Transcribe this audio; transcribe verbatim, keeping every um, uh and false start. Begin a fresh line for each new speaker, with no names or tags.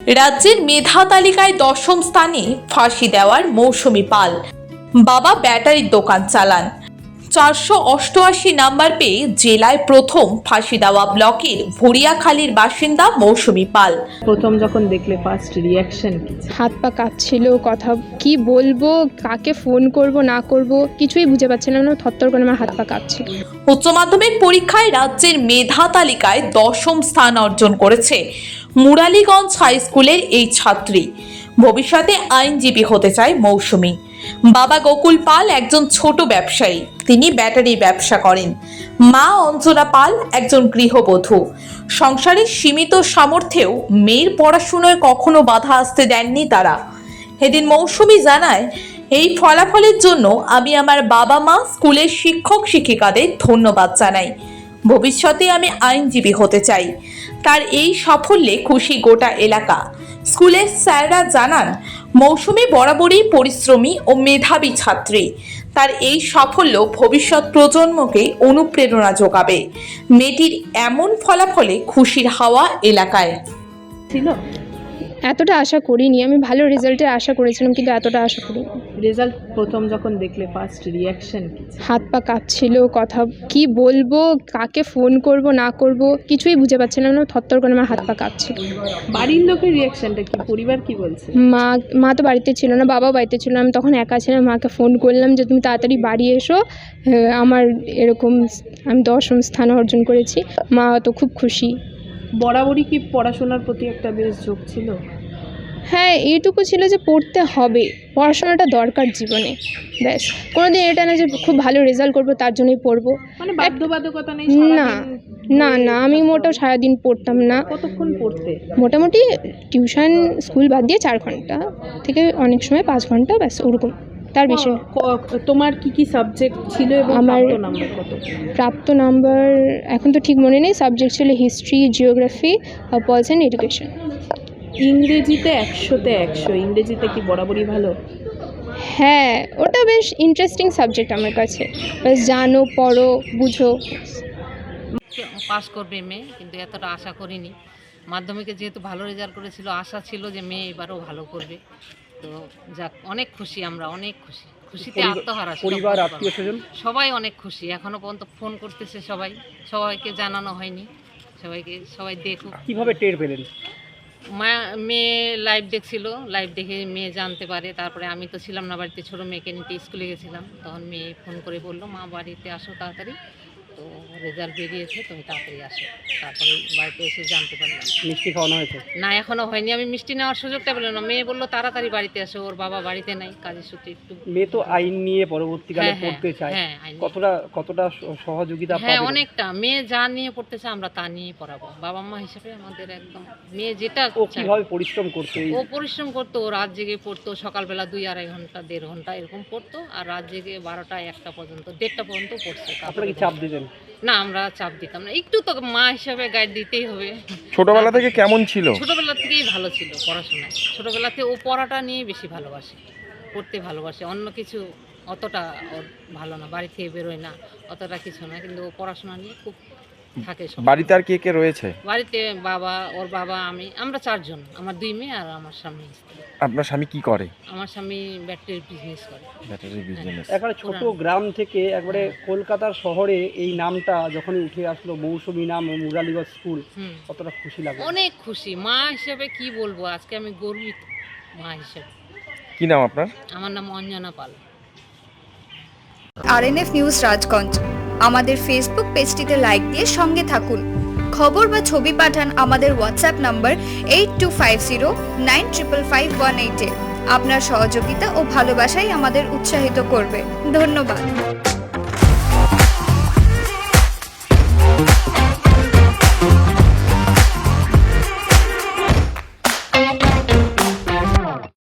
রাজ্যের মেধা তালিকায় দশম স্থানে ফাঁসি দেওয়ার মৌসুমী পাল। বাবা ব্যাটারির দোকান চালান। চারশো অষ্টআশি নাম্বার পেয়ে জেলায় প্রথম ফাঁসি দেওয়া ব্লকের ভরিয়াখালীর বাসিন্দা মৌসুমী পাল।
প্রথম যখন দেখলে ফার্স্ট রিয়াকশন কি?
হাত পা কাঁপছিল, কথা কি বলবো, কাকে ফোন করব না করব কিছুই বুঝে পাচ্ছিলাম না। থরথর করে আমার হাত পা কাঁপছিল।
উচ্চ মাধ্যমিক পরীক্ষায় রাজ্যের মেধা তালিকায় দশম স্থান অর্জন করেছে মুরালীগঞ্জ হাই স্কুলের এই ছাত্রী। ভবিষ্যতে আইনজীবী হতে চায় মৌসুমী। বাবা গোকুল পাল একজন ছোট ব্যবসায়ী, তিনি ব্যাটারি ব্যবসা করেন। মা অঞ্জনা পাল একজন গৃহবধূ। সংসারের সীমিত সামর্থ্যেও মেয়ের পড়াশোনায় কখনো বাধা আসতে দেননি তারা। এদিন মৌসুমী জানায়, এই ফলাফলের জন্য আমি আমার বাবা মা, স্কুলের শিক্ষক শিক্ষিকাদের ধন্যবাদ জানাই। ভবিষ্যতে আমি আইনজীবী হতে চাই। তার এই সাফল্যে খুশি গোটা এলাকা। স্কুলের স্যাররা জানান, মৌসুমী বরাবরই পরিশ্রমী ও মেধাবী ছাত্রী। তার এই সাফল্য ভবিষ্যৎ প্রজন্মকে অনুপ্রেরণা যোগাবে। মেয়েটির এমন ফলাফলে খুশির হাওয়া এলাকায়।
ছিল
এতটা আশা করিনি, আমি ভালো রেজাল্টের আশা করেছিলাম কিন্তু এতটা আশা করিনি।
রেজাল্ট প্রথম যখন দেখলে ফার্স্ট রিয়াকশন কি?
হাত পা কাঁপছিল, কথা কি বলবো, কাকে ফোন করব না করব কিছুই বুঝে পাচ্ছিলাম না। থরথর করে আমার হাত পা কাঁপছিল।
বাড়ির লোকের রিয়াকশনটা কি? পরিবার কি বলছে?
মা মা তো বাড়িতে ছিল না, বাবাও বাড়িতে ছিল না। আমি তখন একা ছিলাম। মাকে ফোন করলাম যে তুমি তাড়াতাড়ি বাড়ি এসো, আমার এরকম আমি দশম স্থান অর্জন করেছি। মা তো খুব খুশি।
বরাবরই কি পড়াশোনার প্রতি একটা বেশ ঝোঁক ছিল?
হ্যাঁ, এইটুকু ছিল যে পড়তে হবে, পড়াশোনাটা দরকার জীবনে। ব্যাস, কোনোদিন এটা না যে খুব ভালো রেজাল্ট করবো তার জন্যই পড়বো,
মানে বাধ্যবাধকতা নেই?
না না না আমি মোটেও সারাদিন পড়তাম না।
কতক্ষণ পড়তে?
মোটামুটি টিউশন স্কুল বাদ দিয়ে চার ঘন্টা থেকে অনেক সময় পাঁচ ঘন্টা, ব্যাস ওরকম, তার বেশি।
তোমার কি কি সাবজেক্ট ছিল এবং
আমার
প্রাপ্ত নাম্বার কত?
প্রাপ্ত নাম্বার এখন তো ঠিক মনে নেই। সাবজেক্ট ছিল history, geography, police and education.
ইংরেজিতে একশোতে একশো, ইংরেজিতে কি বরাবরই ভালো?
হ্যাঁ, ওটা বেশ ইন্টারেস্টিং সাবজেক্ট আমার কাছে। বেশ জানো, পড়ো, বুঝো।
পাস করবে মেয়ে, কিন্তু এতটা আশা করিনি। মাধ্যমিকে যেহেতু ভালো রেজাল্ট করেছিল, আশা ছিল যে মেয়ে এবারও ভালো করবে। তো যাক, অনেক খুশি, আমরা অনেক খুশি। খুশিতে আত্মহারা।
পরিবার, আত্মীয় স্বজন
সবাই অনেক খুশি। এখনো পর্যন্ত ফোন করতেছে সবাই, সবাইকে জানানো হয়নি। সবাইকে সবাই দেখুক।
কিভাবে টের পেলেন?
মা মেয়ে লাইভ দেখছিল, লাইভ দেখে মেয়ে জানতে পারে। তারপরে আমি তো ছিলাম না বাড়িতে, ছোটো মেয়েকে নিতে স্কুলে গেছিলাম। তখন মেয়ে ফোন করে বললো, মা বাড়িতে আসো তাড়াতাড়ি, তো রেজাল্ট বেরিয়েছে, তুমি তাড়াতাড়ি আসো। তারপরে বাড়িতে এসে জানতে পারলাম।
মিষ্টি খাওয়ানো হয়েছে?
না, এখনও হয়নি। আমি মিষ্টি নেওয়ার সুযোগটা পেলাম না। মেয়ে বললো তাড়াতাড়ি বাড়িতে আসো, ওর বাবা বাড়িতে নাই, কাজের সূত্রে একটু।
মেয়ে তো আইন নিয়ে পরবর্তীকালে
হ্যাঁ,
পড়তে চায়,
হ্যাঁ, আইন নিয়ে।
কতটা কতটা সহযোগিতা
হ্যাঁ,
পাবে?
অনেকটা। মেয়ে যা নিয়ে পড়তেছে আমরা তা নিয়েই পড়াবো। বাবা মা হিসেবে আমাদের একদম, মেয়ে যেটা
ও কিভাবে পরিশ্রম করতে?
ও পরিশ্রম করতো, ও রাত জেগে পড়তো। সকালবেলা দুই আড়াই ঘন্টা, দেড় ঘন্টা এরকম পড়তো, আর রাত জেগে বারোটা একটা পর্যন্ত, দেড়টা পর্যন্ত পড়ছে।
আপনারা কি চাপ দিতেন?
না, আমরা চাপ দিতাম না। একটু তো মা হিসাবে গাইড দিতেই হবে।
ছোটবেলা থেকে কেমন ছিল?
ছোটবেলা থেকেই ভালো ছিল পড়াশোনায়। ছোটবেলাতে ও পড়াটা নিয়ে বেশি ভালোবাসে, পড়তে ভালোবাসে। অন্য কিছু অতটা ওর ভালো না, বাড়ি থেকে বেরোয় না, অতটা কিছু না, কিন্তু ও পড়াশোনা নিয়ে খুব থাকে।
বাড়িতে আর কে কে রয়েছে?
বাড়িতে বাবা, ওর বাবা, আমি, আমরা চারজন। আমার দুই মেয়ে আর আমার স্বামী।
আপনার স্বামী কি করে?
আমার স্বামী ব্যাটারির বিজনেস করে।
Battery business.
একবারে ছোট গ্রাম থেকে একবারে কলকাতার শহরে এই নামটা যখনই উঠে আসলো, মৌসুমী নাম, মুরালীগঞ্জ স্কুল, কতটা খুশি লাগে?
অনেক খুশি। মা হিসেবে কি বলবো, আজকে আমি গর্বিত মা হিসেবে।
কি নাম আপনার?
আমার নাম অঞ্জনা পাল।
আরএনএফ নিউজ রাজগঞ্জ আমাদের ফেসবুক পেজটিতে লাইক দিয়ে সঙ্গে থাকুন। খবর বা ছবি পাঠান আমাদের WhatsApp number eight two five zero nine triple five one এইটে। আপনার সহযোগিতা ও ভালোবাসাই আমাদের উৎসাহিত করবে। ধন্যবাদ।